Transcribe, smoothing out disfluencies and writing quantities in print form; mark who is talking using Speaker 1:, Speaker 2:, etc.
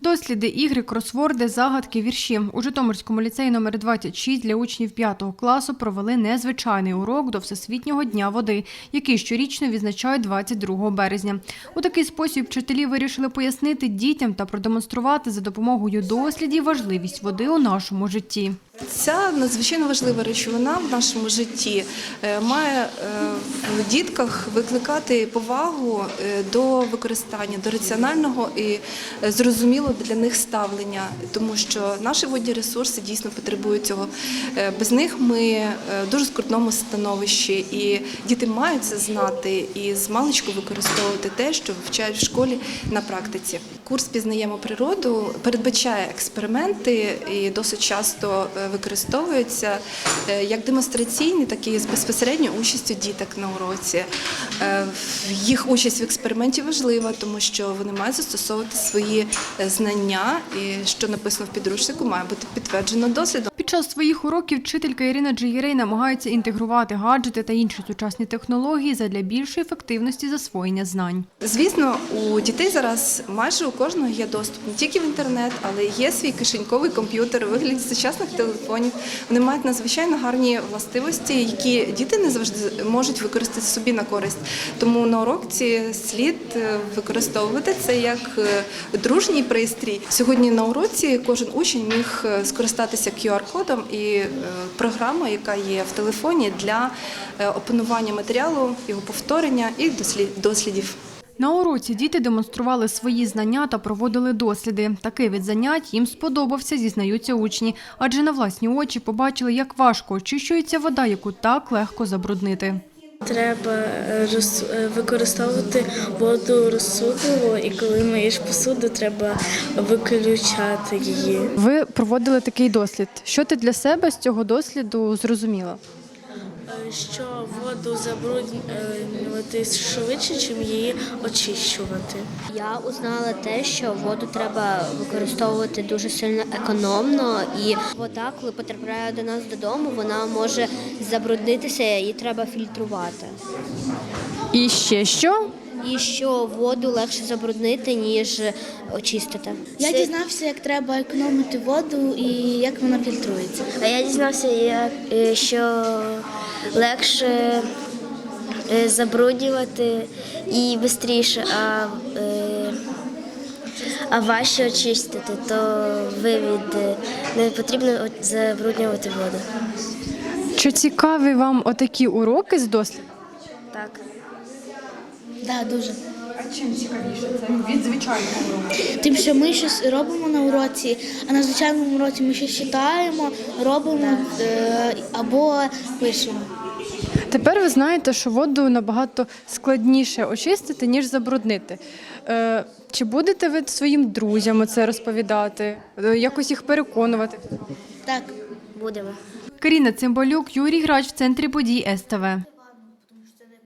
Speaker 1: Досліди, ігри, кросворди, загадки, вірші. У Житомирському ліцеї номер 26 для учнів 5 класу провели незвичайний урок до Всесвітнього дня води, який щорічно відзначають 22 березня. У такий спосіб вчителі вирішили пояснити дітям та продемонструвати за допомогою дослідів важливість води у нашому житті.
Speaker 2: Ця надзвичайно важлива речовина в нашому житті має в дітках викликати повагу до використання, до раціонального і зрозумілого для них ставлення, тому що наші водні ресурси дійсно потребують цього. Без них ми в дуже скрутному становищі, і діти мають це знати і змалечку використовувати те, що вивчають в школі на практиці. Курс «Пізнаємо природу» передбачає експерименти і досить часто використовуються як демонстраційні, так і з безпосередньою участю діток на уроці. Їх участь в експерименті важлива, тому що вони мають застосовувати свої знання, і що написано в підручнику, має бути підтверджено дослідом.
Speaker 1: Під час своїх уроків вчителька Ірина Джигірей намагається інтегрувати гаджети та інші сучасні технології задля більшої ефективності засвоєння знань.
Speaker 2: Звісно, у дітей зараз майже у кожного є доступ не тільки в інтернет, але є свій кишеньковий комп'ютер у вигляді сучасних телефонів. Вони мають надзвичайно гарні властивості, які діти не завжди можуть використати собі на користь. Тому на уроці слід використовувати це як дружній пристрій. Сьогодні на уроці кожен учень міг скористатися QR-кодом і програмою, яка є в телефоні для опанування матеріалу, його повторення і дослідів.
Speaker 1: На уроці діти демонстрували свої знання та проводили досліди. Такий вид занять їм сподобався, зізнаються учні. Адже на власні очі побачили, як важко очищується вода, яку так легко забруднити.
Speaker 3: Треба використовувати воду розсудливо, і коли миєш посуду, треба виключати її.
Speaker 1: Ви проводили такий дослід. Що ти для себе з цього досліду зрозуміла?
Speaker 3: Що воду забруднювати швидше, ніж її очищувати.
Speaker 4: Я узнала те, що воду треба використовувати дуже сильно економно, і вода, коли потрапляє до нас додому, вона може забруднитися, її треба фільтрувати.
Speaker 1: І ще що?
Speaker 4: І що воду легше забруднити, ніж очистити.
Speaker 5: Я дізнався, як треба економити воду і як вона фільтрується.
Speaker 4: А я дізнався, що легше забруднювати і швидше, а важче очистити, то не потрібно забруднювати воду.
Speaker 1: Чи цікаві вам отакі уроки з досліду?
Speaker 4: Так.
Speaker 5: Так, дуже.
Speaker 1: А чим цікавіше це від звичайного уроку?
Speaker 5: Тим, що ми щось робимо на уроці, а на звичайному уроці ми щось читаємо, робимо або пишемо.
Speaker 1: Тепер ви знаєте, що воду набагато складніше очистити, ніж забруднити. Чи будете ви своїм друзям це розповідати, якось їх переконувати?
Speaker 5: Так.
Speaker 4: Будемо.
Speaker 1: Каріна Цимбалюк, Юрій Грач в центрі подій СТВ.